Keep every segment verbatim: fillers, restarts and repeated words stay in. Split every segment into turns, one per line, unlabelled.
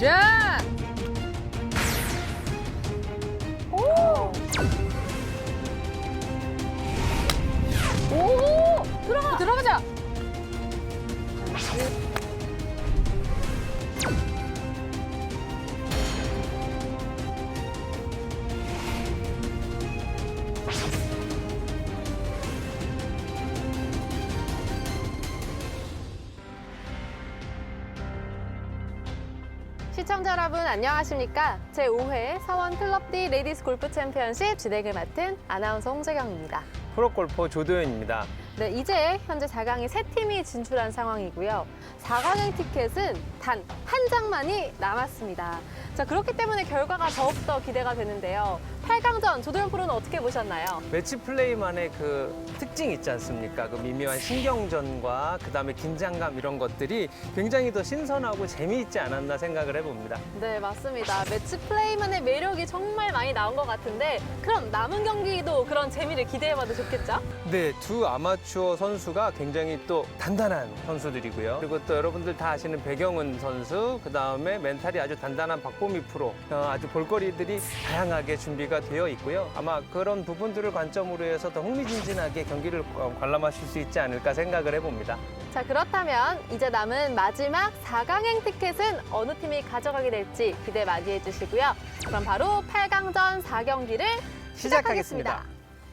굿샷!
오! 오! 들어가!
들어가자!
시청자 여러분 안녕하십니까? 제오 회 서원 클럽D 레디스 골프 챔피언십 진행을 맡은 아나운서 홍재경입니다.
프로골퍼 조도현입니다.
네, 이제 현재 사 강에 세 팀이 진출한 상황이고요. 사 강행 티켓은 단 한 장만이 남았습니다. 자, 그렇기 때문에 결과가 더욱더 기대가 되는데요. 팔 강전 조도현 프로는 어떻게 보셨나요?
매치 플레이만의 그 특징이 있지 않습니까? 그 미묘한 신경전과 그다음에 긴장감 이런 것들이 굉장히 더 신선하고 재미있지 않았나 생각을 해봅니다.
네, 맞습니다. 매치 플레이만의 매력이 정말 많이 나온 것 같은데 그럼 남은 경기도 그런 재미를 기대해봐도 좋겠죠?
네, 두 아마추어 선수가 굉장히 또 단단한 선수들이고요. 그리고 또 여러분들 다 아시는 백영은 선수, 그다음에 멘탈이 아주 단단한 박보미 프로, 어, 아주 볼거리들이 다양하게 준비가 되어 있고요. 아마 그런 부분들을 관점으로 해서 더 흥미진진하게 경기를 어, 관람하실 수 있지 않을까 생각을 해봅니다.
자, 그렇다면 이제 남은 마지막 사 강행 티켓은 어느 팀이 가져가게 될지 기대 많이 해주시고요. 그럼 바로 팔 강전 사 경기를 시작하겠습니다.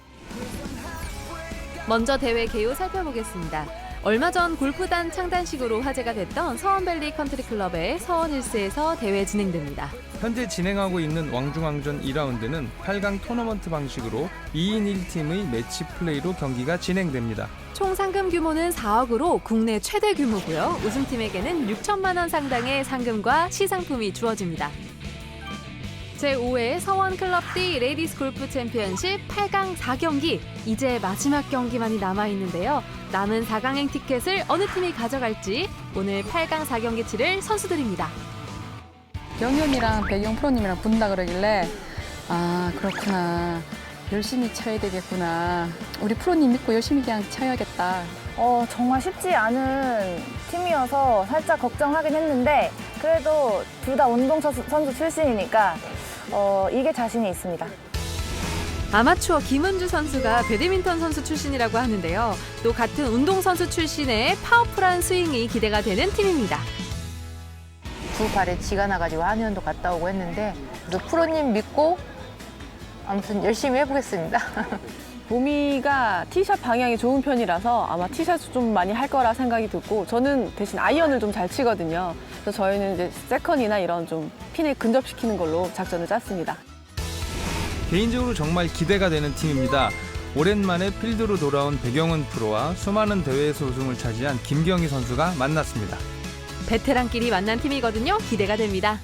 먼저 대회 개요 살펴보겠습니다. 얼마 전 골프단 창단식으로 화제가 됐던 서원밸리 컨트리클럽의 서원 힐스에서 대회 진행됩니다.
현재 진행하고 있는 왕중왕전 이 라운드는 팔 강 토너먼트 방식으로 이 인 일 팀의 매치 플레이로 경기가 진행됩니다.
총 상금 규모는 사억으로 국내 최대 규모고요. 우승팀에게는 육천만 원 상당의 상금과 시상품이 주어집니다. 제오 회 서원 클럽D 레디스 골프 챔피언십 팔 강 사 경기, 이제 마지막 경기만이 남아있는데요. 남은 사 강행 티켓을 어느 팀이 가져갈지 오늘 팔 강 사 경기 치를 선수들입니다.
영현이랑 백영 프로님이랑 분다 그러길래 아, 그렇구나. 열심히 쳐야 되겠구나. 우리 프로님 믿고 열심히 그냥 쳐야겠다.
어, 정말 쉽지 않은 팀이어서 살짝 걱정하긴 했는데 그래도 둘 다 운동선수 선수 출신이니까 어, 이게 자신이 있습니다.
아마추어 김은주 선수가 배드민턴 선수 출신이라고 하는데요. 또 같은 운동선수 출신의 파워풀한 스윙이 기대가 되는 팀입니다.
두 발에 쥐가 나가지고 한의원도 갔다 오고 했는데 그래서 프로님 믿고 아무튼 열심히 해보겠습니다.
보미가 티샷 방향이 좋은 편이라서 아마 티샷을 좀 많이 할 거라 생각이 들고 저는 대신 아이언을 좀 잘 치거든요. 그래서 저희는 이제 세컨이나 이런 좀 핀을 근접시키는 걸로 작전을 짰습니다.
개인적으로 정말 기대가 되는 팀입니다. 오랜만에 필드로 돌아온 백영은 프로와 수많은 대회에서 우승을 차지한 김경희 선수가 만났습니다.
베테랑끼리 만난 팀이거든요. 기대가 됩니다.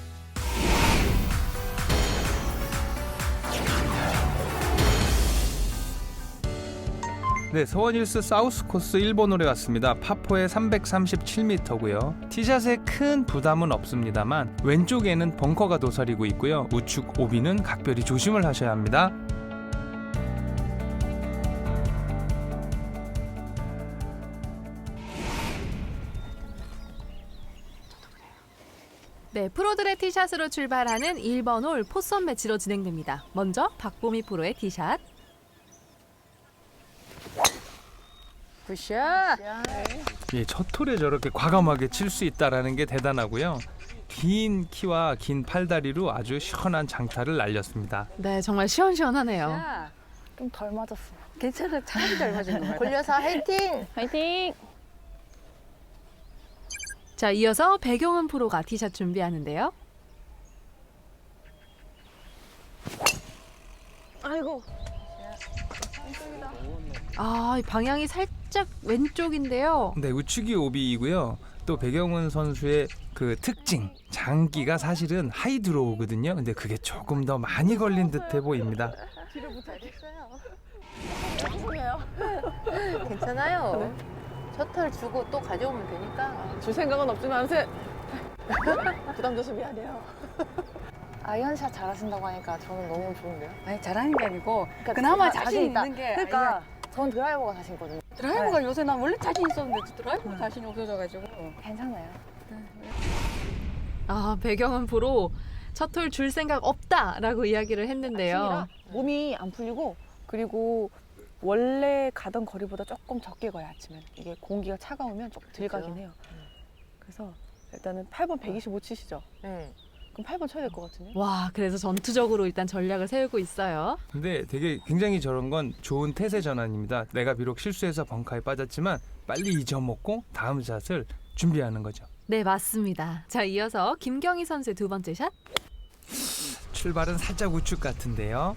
네, 서원힐스 사우스 코스 일 번 홀에 왔습니다. 파포의 삼백삼십칠 미터고요. 티샷에 큰 부담은 없습니다만 왼쪽에는 벙커가 도사리고 있고요. 우측 오비는 각별히 조심을 하셔야 합니다.
네, 프로들의 티샷으로 출발하는 일 번 홀 포선 매치로 진행됩니다. 먼저 박보미 프로의 티샷.
굿샷!
예, 첫 홀에 저렇게 과감하게 칠 수 있다는 게 대단하고요. 긴 키와 긴 팔다리로 아주 시원한 장타를 날렸습니다.
네, 정말 시원시원하네요.
자,
좀 덜 맞았어.
괜찮아. 차라리 잘 맞은 것 같아.
골려서 화이팅!
화이팅!
자, 이어서 백영은 프로가 티샷 준비하는데요.
아이고.
아, 방향이 살짝 왼쪽인데요.
네, 우측이 오비이고요. 또 백영은 선수의 그 특징, 장기가 사실은 하이 드로우거든요. 근데 그게 조금 더 많이 걸린 듯해 보입니다.
괜찮아요. 셔틀 주고 또 가져오면 되니까.
줄 생각은 없지만 세... 부담 줘서 미안해요.
아이언샷 잘하신다고 하니까 저는 너무 좋은데요.
아니, 잘하는 게 아니고
그러니까
그나마
제가
자신
있다.
있는 게
그러니까 전 드라이버가 자신 있거든요.
드라이버가 요새 난 원래 자신 있었는데 드라이버가 자신이 없어져가지고
괜찮아요.
아, 배경은 프로 첫 홀 줄 생각 없다라고 이야기를 했는데요.
아침이라 몸이 안 풀리고 그리고 원래 가던 거리보다 조금 적게 가요 아침에는. 이게 공기가 차가우면 조금 덜 가긴 해요. 그래서 일단은 팔 번 백이십오 치시죠?
네.
그럼 팔 번 쳐야 될 것 같은데?
와, 그래서 전투적으로 일단 전략을 세우고 있어요.
근데 되게 굉장히 저런 건 좋은 태세 전환입니다. 내가 비록 실수해서 벙커에 빠졌지만 빨리 잊어먹고 다음 샷을 준비하는 거죠.
네, 맞습니다. 자, 이어서 김경희 선수의 두 번째 샷.
출발은 살짝 우측 같은데요.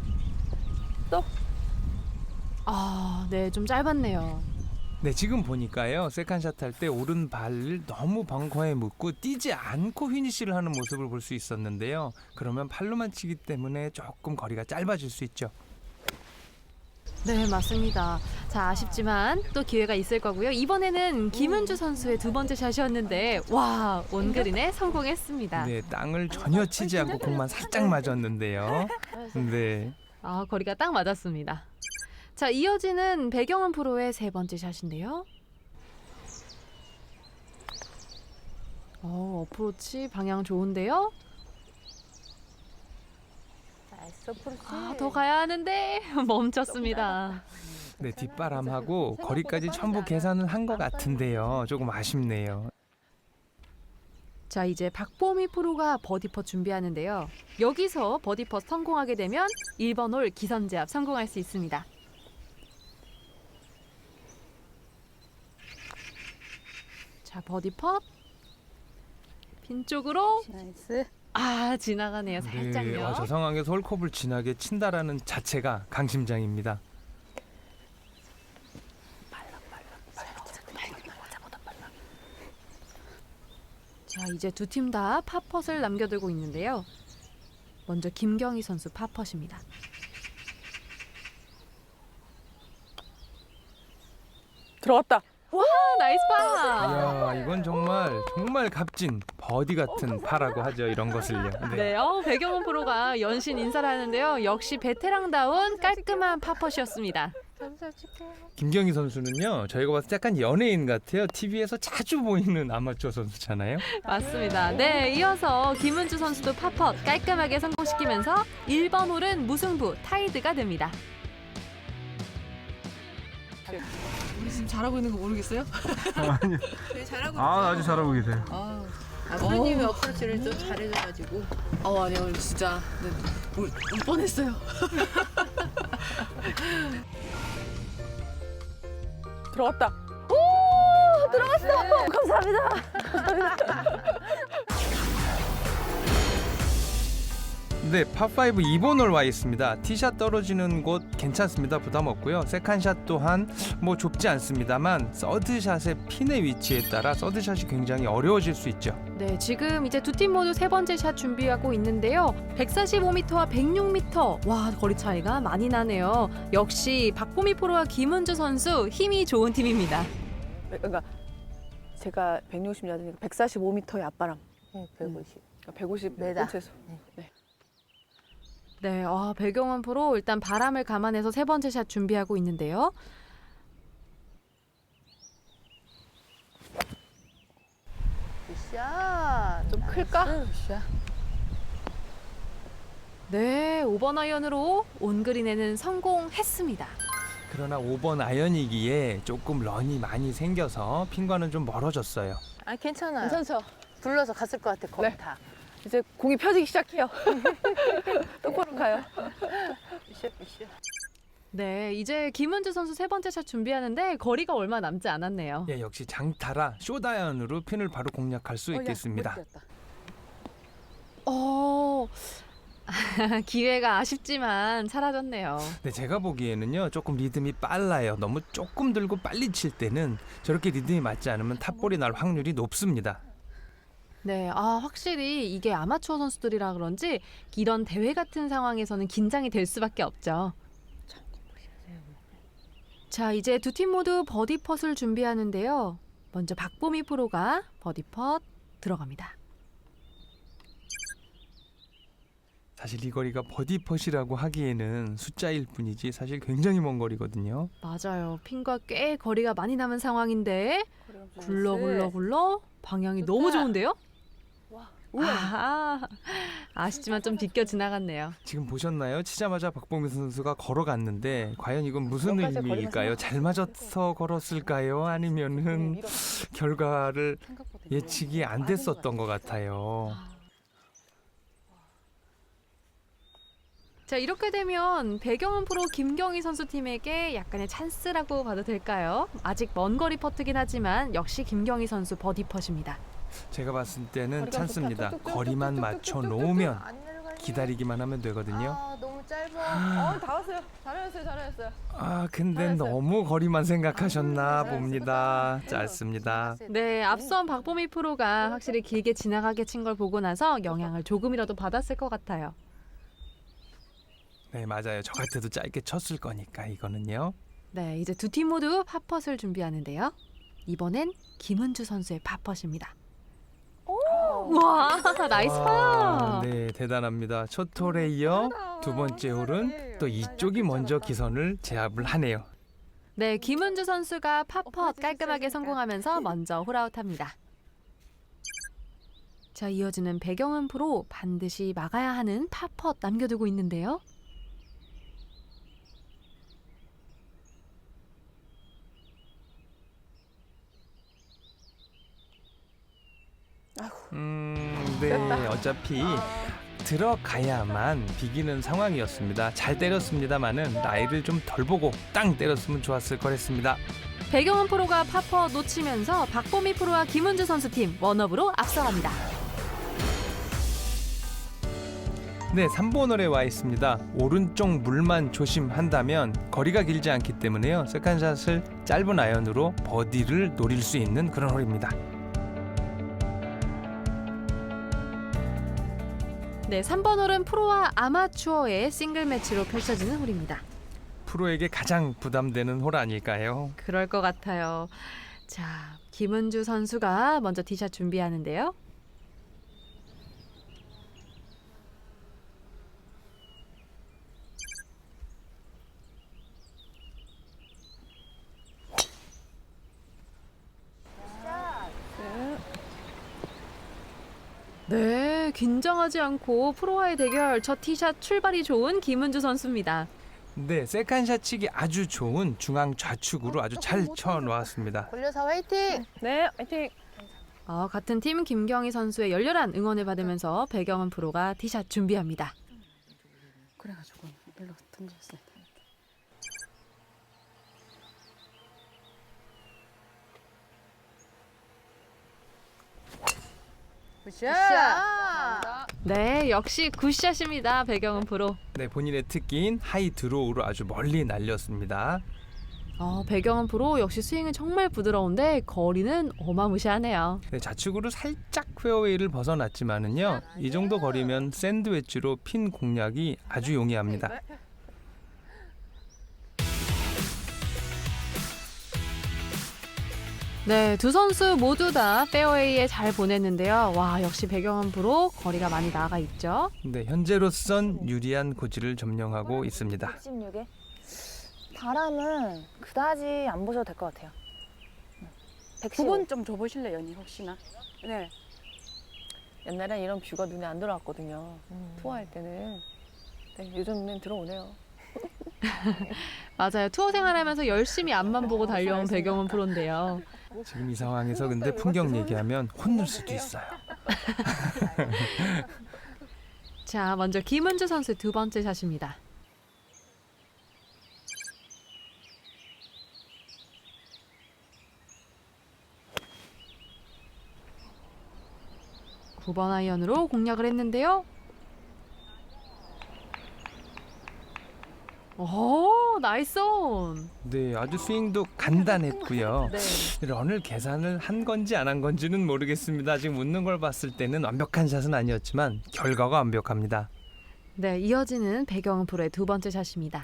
아, 네, 좀 짧았네요.
네, 지금 보니까요. 세컨샷 할 때 오른발을 너무 벙커에 묻고 뛰지 않고 휘니시를 하는 모습을 볼 수 있었는데요. 그러면 팔로만 치기 때문에 조금 거리가 짧아질 수 있죠.
네, 맞습니다. 자, 아쉽지만 또 기회가 있을 거고요. 이번에는 김은주 선수의 두 번째 샷이었는데 와, 온그린에 성공했습니다.
네, 땅을 전혀 치지 않고 공만 살짝 맞았는데요. 네.
아, 거리가 딱 맞았습니다. 자, 이어지는 배경은 프로의 세 번째 샷인데요. 어, 어프로치 방향 좋은데요.
나이스 어프로치.
아, 더 가야 하는데 멈췄습니다.
네, 뒷바람하고 거리까지 전부 계산을 한 것 같은데요. 조금 아쉽네요.
자, 이제 박보미 프로가 버디퍼 준비하는데요. 여기서 버디퍼 성공하게 되면 일 번 홀 기선제압 성공할 수 있습니다. 자, 버디퍼 핀 쪽으로
나이스.
아, 지나가네요.
네,
살짝요.
어, 저 상황에서 홀컵을 진하게 친다라는 자체가 강심장입니다.
자, 이제 두 팀 다 팝펫을 남겨두고 있는데요. 먼저 김경희 선수 팝펫입니다.
들어갔다.
와, 나이스 파!
이야, 이건 정말 정말 값진 버디 같은 파라고 하죠. 이런 것을요.
네, 어, 배경은 프로가 연신 인사를 하는데요. 역시 베테랑다운 깔끔한 팝펫이었습니다.
김경희 선수는요. 저희가 봤을 때 약간 연예인 같아요. 티비에서 자주 보이는 아마추어 선수잖아요.
맞습니다. 네, 이어서 김은주 선수도 팝펫 깔끔하게 성공시키면서 일 번 홀은 무승부 타이드가 됩니다.
우리 지금 잘하고 있는 거 모르겠어요?
아니요. 아, 아주 잘하고 계세요.
아,
아, 프로님이 어프로치를 좀 잘해줘가지고.
어, 아니요, 오늘 진짜 네, 울, 울 뻔했어요.
들어갔다.
네, 팝오 이 번 홀 와 있습니다. 티샷 떨어지는 곳 괜찮습니다. 부담 없고요. 세컨샷 또한 뭐 좁지 않습니다만 서드샷의 핀의 위치에 따라 서드샷이 굉장히 어려워질 수 있죠.
네, 지금 이제 두 팀 모두 세 번째 샷 준비하고 있는데요. 백사십오 미터와 백육 미터. 와, 거리 차이가 많이 나네요. 역시 박보미 프로와 김은주 선수 힘이 좋은 팀입니다.
그러니까 제가 백육십 야드니까 백사십오 미터의 앞바람.
네, 백오십.
그러니까 백오십
메다.
꽃에서.
네.
네, 아, 배경은 프로 일단 바람을 감안해서 세 번째 샷 준비하고 있는데요.
굿샷.
좀 클까?
굿샷.
네, 오 번 아이언으로 온그린에는 성공했습니다.
그러나 오 번 아이언이기에 조금 런이 많이 생겨서 핀과는 좀 멀어졌어요.
아, 괜찮아요.
괜찮죠?
불러서 갔을 것 같아, 거기
네.
다.
이제 공이 펴지기 시작해요. 똑바로 가요.
굿샷, 굿샷.
네, 이제 김은주 선수 세 번째 샷 준비하는데 거리가 얼마 남지 않았네요.
예, 역시 장타라 쇼다이언으로 핀을 바로 공략할 수 있겠습니다.
어, 기회가 아쉽지만 사라졌네요.
네, 제가 보기에는요 조금 리듬이 빨라요. 너무 조금 들고 빨리 칠 때는 저렇게 리듬이 맞지 않으면 탑볼이 날 확률이 높습니다.
네, 아, 확실히 이게 아마추어 선수들이라 그런지 이런 대회 같은 상황에서는 긴장이 될 수밖에 없죠. 자, 이제 두 팀 모두 버디 펫을 준비하는데요. 먼저 박보미 프로가 버디 펫 들어갑니다.
사실 이 거리가 버디 펫이라고 하기에는 숫자일 뿐이지 사실 굉장히 먼 거리거든요.
맞아요. 핀과 꽤 거리가 많이 남은 상황인데 굴러 굴러 굴러 방향이 너무 좋은데요?
와.
아, 아쉽지만 좀 비껴 지나갔네요.
지금 보셨나요? 치자마자 박보미 선수가 걸어갔는데 과연 이건 무슨 의미일까요? 잘 맞아서 걸었을까요? 아니면은 결과를 예측이 안 됐었던 것 같아요.
자, 이렇게 되면 배경은 프로 김경희 선수 팀에게 약간의 찬스라고 봐도 될까요? 아직 먼 거리 퍼트긴 하지만 역시 김경희 선수 버디 펫입니다.
제가 봤을 때는 찬스입니다. 거리만 맞춰 놓으면 기다리기만 하면 되거든요.
아, 너무 짧아.
어, 다 왔어요. 잘하셨어요, 잘하셨어요.
아, 근데
잘했어요.
너무 거리만 생각하셨나
잘했어요.
봅니다. 짧습니다.
네, 앞선 박보미 프로가 확실히 길게 지나가게 친 걸 보고 나서 영향을 조금이라도 받았을 것 같아요.
네, 맞아요. 저 같아도 짧게 쳤을 거니까 이거는요.
네, 이제 두 팀 모두 팝펫을 준비하는데요. 이번엔 김은주 선수의 팝펫입니다. 와, 나이스
와,
파!
네, 대단합니다. 첫 홀에 이어 두 번째 홀은 또 이쪽이 먼저 기선을 제압을 하네요.
네, 김은주 선수가 팝펫 깔끔하게 성공하면서 먼저 홀아웃합니다. 자, 이어지는 배경은 프로 반드시 막아야 하는 팝펫 남겨두고 있는데요.
음, 네, 어차피 들어가야만 비기는 상황이었습니다. 잘 때렸습니다만은 나이를 좀 덜 보고 땅 때렸으면 좋았을 거랬습니다.
배경은 프로가 팝펫 놓치면서 박보미 프로와 김은주 선수 팀 원업으로 앞서갑니다.
네, 삼 번 홀에 와 있습니다. 오른쪽 물만 조심한다면 거리가 길지 않기 때문에요. 세컨샷을 짧은 아이언으로 버디를 노릴 수 있는 그런 홀입니다.
네, 삼 번 홀은 프로와 아마추어의 싱글 매치로 펼쳐지는 홀입니다.
프로에게 가장 부담되는 홀 아닐까요?
그럴 것 같아요. 자, 김은주 선수가 먼저 티샷 준비하는데요. 네, 긴장하지 않고 프로와의 대결 첫 티샷 출발이 좋은 김은주 선수입니다.
네, 세컨샷 치기 아주 좋은 중앙 좌측으로 아주 잘 쳐놓았습니다.
골려서 화이팅!
네, 화이팅!
어, 같은 팀 김경희 선수의 열렬한 응원을 받으면서 배경은 프로가 티샷 준비합니다.
그래가지고 일로 던졌어요.
굿샷!
네, 역시 굿샷입니다. 배경은 프로.
네, 본인의 특기인 하이 드로우로 아주 멀리 날렸습니다.
어, 배경은 프로 역시 스윙은 정말 부드러운데 거리는 어마무시하네요.
네, 좌측으로 살짝 페어웨이를 벗어났지만은요, 이 정도 거리면 샌드웨치로 핀 공략이 아주 용이합니다.
네, 두 선수 모두 다 페어웨이에 잘 보냈는데요. 와, 역시 배경은 프로 거리가 많이 나가 있죠.
네, 현재로선 유리한 고지를 점령하고 있습니다.
백십육에 바람은 그다지 안 보셔도 될 것 같아요. 백십오.
두 번 좀 줘보실래요, 언니 혹시나? 네.
옛날엔 이런 뷰가 눈에 안 들어왔거든요. 투어할 때는. 네, 요즘은 들어오네요.
맞아요. 투어 생활하면서 열심히 앞만 보고 달려온 배경은 프로인데요.
지금 이 상황에서 근데 풍경 얘기하면 혼날 수도 있어요.
자, 먼저 김은주 선수의 두 번째 샷입니다. 구 번 아이언으로 공략을 했는데요. 오, 나이스 온.
네, 아주 스윙도 간단했고요.
네.
런을 계산을 한 건지 안 한 건지는 모르겠습니다. 지금 웃는 걸 봤을 때는 완벽한 샷은 아니었지만 결과가 완벽합니다.
네, 이어지는 배경은 프로의 두 번째 샷입니다.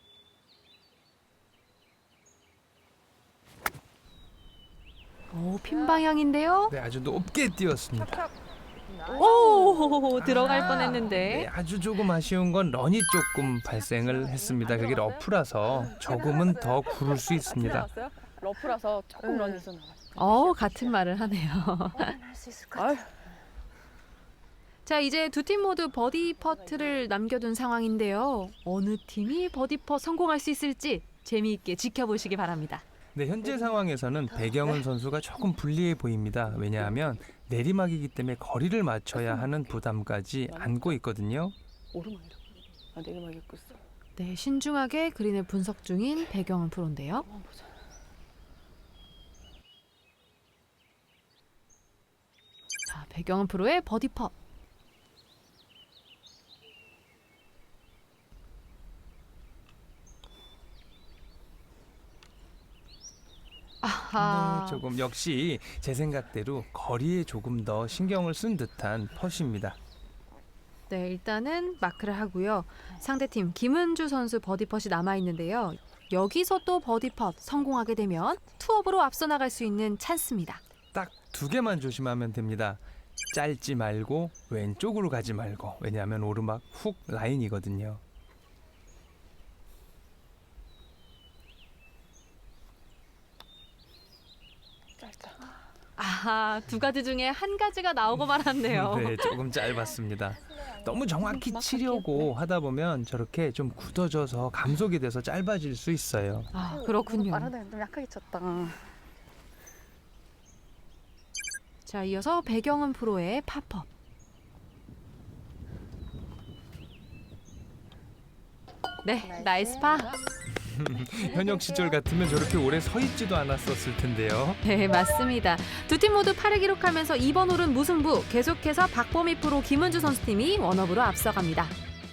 오, 핀 방향인데요.
네, 아주 높게 뛰었습니다.
오, 들어갈
네,
뻔했는데.
아주 조금 아쉬운 건 런이 조금 발생을 했습니다. 그게 러프라서 조금은 더 구를 수 있습니다.
나왔어요? 러프라서 조금 런이 있어 나갔어요.
어, 같은 말을 하네요.
할수 있을 것 같아요.
자, 이제 두 팀 모두 버디 퍼트를 남겨둔 상황인데요. 어느 팀이 버디 퍼 성공할 수 있을지 재미있게 지켜보시기 바랍니다.
네, 현재 상황에서는 배경은 선수가 조금 불리해 보입니다. 왜냐하면 내리막이기 때문에 거리를 맞춰야 하는 부담까지 안고 있거든요.
오르막이라고. 아, 내리막이었고 있어.
네, 신중하게 그린을 분석 중인 배경은 프로인데요.
한번 보자.
자, 배경은 프로의 버디 퍼. 아하.
네, 조금 역시 제 생각대로 거리에 조금 더 신경을 쓴 듯한 펫입니다.
네, 일단은 마크를 하고요. 상대팀 김은주 선수 버디 펫이 남아있는데요. 여기서 또 버디 펫 성공하게 되면 투업으로 앞서 나갈 수 있는 찬스입니다.
딱 두 개만 조심하면 됩니다. 짧지 말고 왼쪽으로 가지 말고. 왜냐하면 오르막 훅 라인이거든요.
아하, 두 가지 중에 한 가지가 나오고 말았네요.
네, 조금 짧았습니다. 너무 정확히 치려고 하다 보면 저렇게 좀 굳어져서 감속이 돼서 짧아질 수 있어요.
아, 그렇군요.
말하다 좀 약하게 쳤다.
자, 이어서 배경은 프로의 팝업. 네, 나이스 파.
현역 시절 같으면 저렇게 오래 서 있지도 않았었을 텐데요.
네, 맞습니다. 두 팀 모두 팔을 기록하면서 이번 홀은 무승부. 계속해서 박보미 프로 김은주 선수팀이 원업으로 앞서갑니다.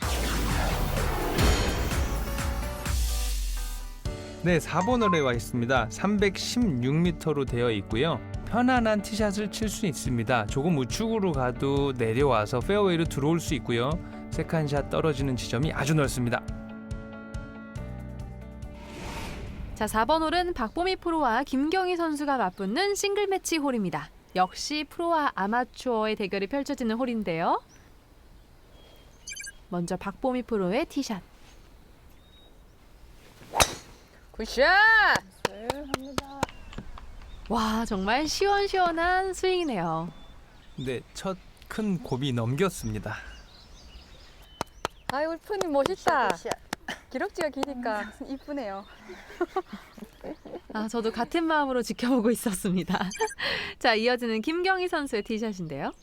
네, 사 번 홀에 와 있습니다. 삼백십육 미터로 되어 있고요. 편안한 티샷을 칠 수 있습니다. 조금 우측으로 가도 내려와서 페어웨이로 들어올 수 있고요. 세컨샷 떨어지는 지점이 아주 넓습니다.
자, 사 번 홀은 박보미 프로와 김경희 선수가 맞붙는 싱글 매치 홀입니다. 역시 프로와 아마추어의 대결이 펼쳐지는 홀인데요. 먼저 박보미 프로의 티샷.
굿샷!
와, 정말 시원시원한 스윙이네요.
네, 첫 큰 곱이 넘겼습니다.
아이, 우리 프로님 멋있다.
굿샷.
기럭지가 기니까 이쁘네요.
아, 저도 같은 마음으로 지켜보고 있었습니다. 자, 이어지는 김경희 선수의 티샷인데요.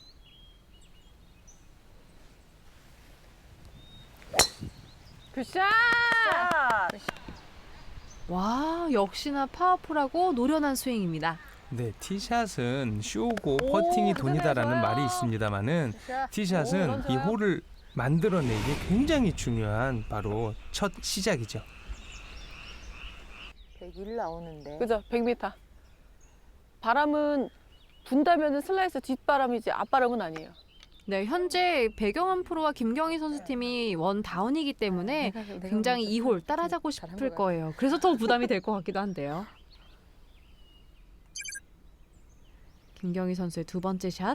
굿샷!
와, 역시나 파워풀하고 노련한 스윙입니다.
네, 티샷은 쇼고 퍼팅이 돈이다라는 말이 있습니다만은 티샷은 이 홀을 만들어내기 굉장히 중요한 바로 첫 시작이죠.
백일 나오는데.
그죠? 백 미터. 바람은 분다면은 슬라이스 뒷바람이지 앞바람은 아니에요.
네, 현재 배경은 프로와 김경희 선수팀이 원 다운이기 때문에 굉장히 이 홀 따라잡고 싶을 거예요. 그래서 더 부담이 될 것 같기도 한데요. 김경희 선수의 두 번째 샷.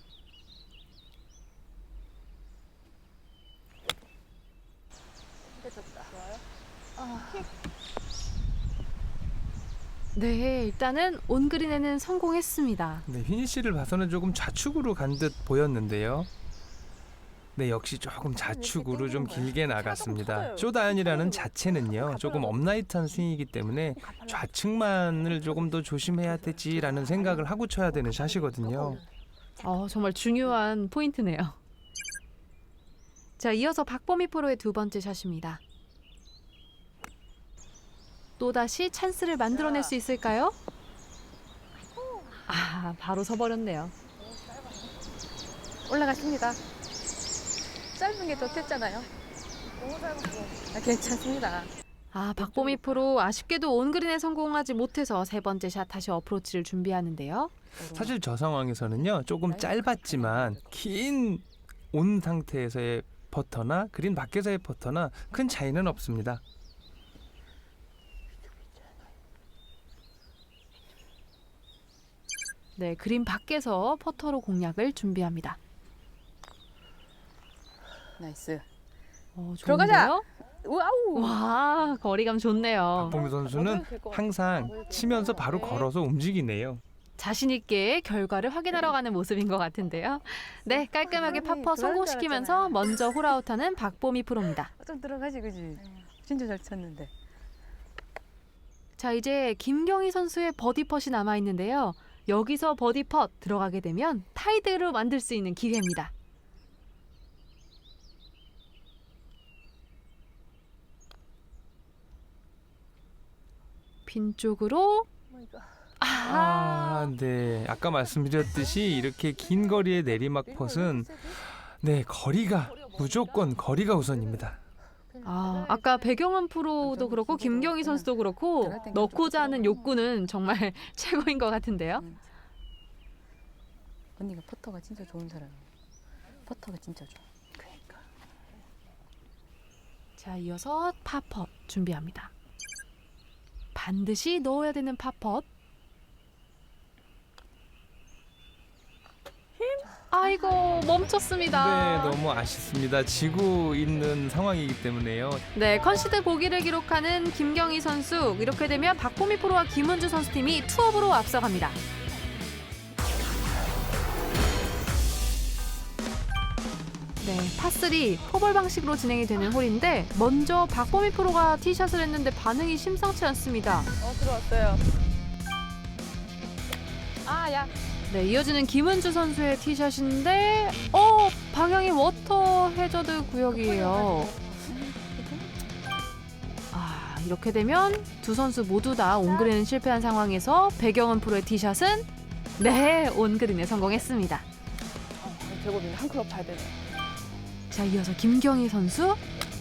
네, 일단은 온그린에는 성공했습니다.
네, 피니시를 봐서는 조금 좌측으로 간 듯 보였는데요. 네, 역시 조금 좌측으로 좀 길게 나갔습니다. 쇼다연이라는 자체는요, 조금 업라이트한 스윙이기 때문에 좌측만을 조금 더 조심해야 되지라는 생각을 하고 쳐야 되는 샷이거든요.
어, 정말 중요한 포인트네요. 자, 이어서 박보미 프로의 두 번째 샷입니다. 또다시 찬스를 만들어낼 수 있을까요? 아, 바로 서버렸네요.
올라갔습니다. 짧은 게 좋댔잖아요.
너무 짧았어.
아, 괜찮습니다.
아, 박보미 프로 아쉽게도 온그린에 성공하지 못해서 세 번째 샷 다시 어프로치를 준비하는데요.
사실 저 상황에서는요, 조금 짧았지만 긴 온 상태에서의 퍼터나 그린 밖에서의 퍼터나 큰 차이는 없습니다.
네, 그린 밖에서 퍼터로 공략을 준비합니다.
나이스.
어,
들어가자!
좋은데요?
와우!
와, 거리감 좋네요.
박보미 선수는 항상 치면서 바로 걸어서 움직이네요.
자신 있게 결과를 확인하러 가는 모습인 것 같은데요. 네, 깔끔하게 파퍼 성공시키면서 먼저 홀아웃하는 박보미 프로입니다.
좀 들어가지, 그지? 진짜 잘 쳤는데.
자, 이제 김경희 선수의 버디 펫이 남아 있는데요. 여기서 버디 펫 들어가게 되면 타이드로 만들 수 있는 기회입니다. 빈 쪽으로
아, 네. 아까 말씀드렸듯이 이렇게 긴 거리의 내리막 펫은 네, 거리가 무조건 거리가 우선입니다.
아, 아까 배경은 프로도 그렇고 김경희 선수도 그렇고 넣고자 하는 욕구는 정말 최고인 것 같은데요.
언니가 퍼터가 진짜 좋은 사람이에요. 퍼터가 진짜 좋아. 그러니까.
자, 이어서 파펫 준비합니다. 반드시 넣어야 되는 파펫. 아이고, 멈췄습니다.
네, 너무 아쉽습니다. 지고 있는 상황이기 때문에요.
네, 컨시드 보기를 기록하는 김경희 선수. 이렇게 되면 박보미 프로와 김은주 선수팀이 투업으로 앞서갑니다. 네, 파삼 포볼 방식으로 진행이 되는 홀인데 먼저 박보미 프로가 티샷을 했는데 반응이 심상치 않습니다.
어, 들어왔어요.
아, 야.
네, 이어지는 김은주 선수의 티샷인데 어, 방향이 워터 해저드 구역이에요. 아, 이렇게 되면 두 선수 모두 다 온그린은 실패한 상황에서 배경은 프로의 티샷은 네, 온그린에 성공했습니다.
제곱인데 한 클럽 봐야 되네.
자, 이어서 김경희 선수.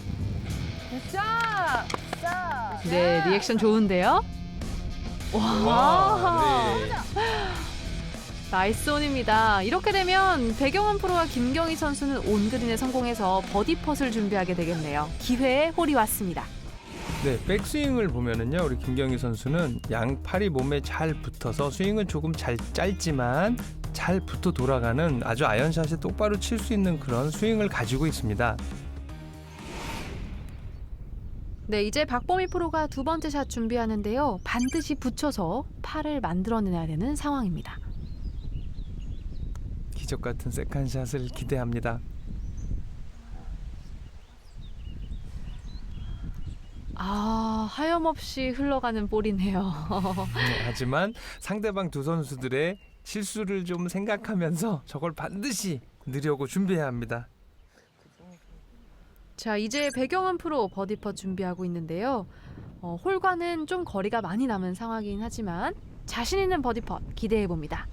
자,
네, 리액션 좋은데요? 와,
와, 네.
나이스 온입니다. 이렇게 되면 배경은 프로와 김경희 선수는 온그린에 성공해서 버디 펫을 준비하게 되겠네요. 기회의 홀이 왔습니다.
네, 백스윙을 보면은요, 우리 김경희 선수는 양팔이 몸에 잘 붙어서 스윙은 조금 잘 짧지만 잘 붙어 돌아가는 아주 아이언샷이 똑바로 칠 수 있는 그런 스윙을 가지고 있습니다.
네, 이제 박보미 프로가 두 번째 샷 준비하는데요. 반드시 붙여서 팔을 만들어내야 되는 상황입니다.
기적 같은 세컨샷을 기대합니다.
아, 하염없이 흘러가는 볼이네요.
네, 하지만 상대방 두 선수들의 실수를 좀 생각하면서 저걸 반드시 넣으려고 준비해야 합니다.
자, 이제 배경은 프로 버디 펫 준비하고 있는데요. 어, 홀과는 좀 거리가 많이 남은 상황이긴 하지만 자신 있는 버디 펫 기대해 봅니다.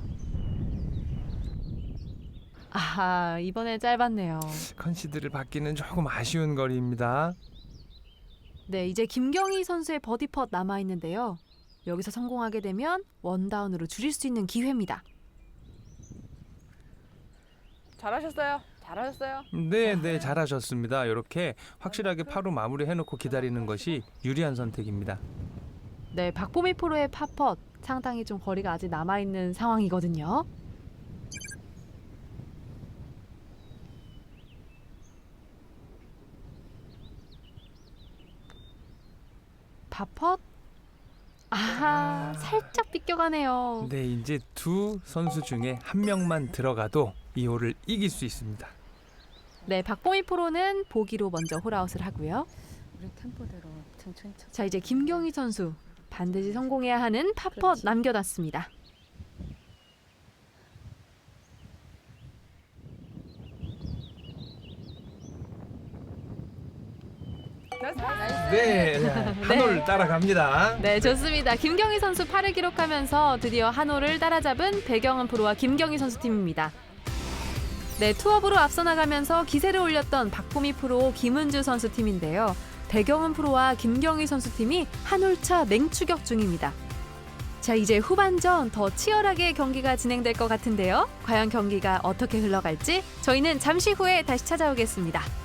아하, 이번엔 짧았네요.
컨시드를 받기는 조금 아쉬운 거리입니다.
네, 이제 김경희 선수의 버디 펫 남아 있는데요. 여기서 성공하게 되면 원다운으로 줄일 수 있는 기회입니다.
잘하셨어요. 잘하셨어요.
네, 네, 잘하셨습니다. 이렇게 확실하게 파로 마무리해놓고 기다리는 것이 유리한 선택입니다.
네, 박보미 프로의 팝펫 상당히 좀 거리가 아직 남아 있는 상황이거든요. 팝펫. 아, 살짝 빗겨가네요.
네, 이제 두 선수 중에 한 명만 들어가도 이 홀을 이길 수 있습니다.
네, 박보미 프로는 보기로 먼저 홀아웃을 하고요.
우리 템포대로 천천히 쳐.
자, 이제 김경희 선수 반드시 성공해야 하는 팝펫 남겨놨습니다.
네, 한 홀 따라갑니다.
네, 좋습니다. 김경희 선수 팔을 기록하면서 드디어 한 홀을 따라잡은 배경은 프로와 김경희 선수 팀입니다. 네, 투업으로 앞서 나가면서 기세를 올렸던 박보미 프로, 김은주 선수 팀인데요. 배경은 프로와 김경희 선수 팀이 한 홀차 맹추격 중입니다. 자, 이제 후반전 더 치열하게 경기가 진행될 것 같은데요. 과연 경기가 어떻게 흘러갈지 저희는 잠시 후에 다시 찾아오겠습니다.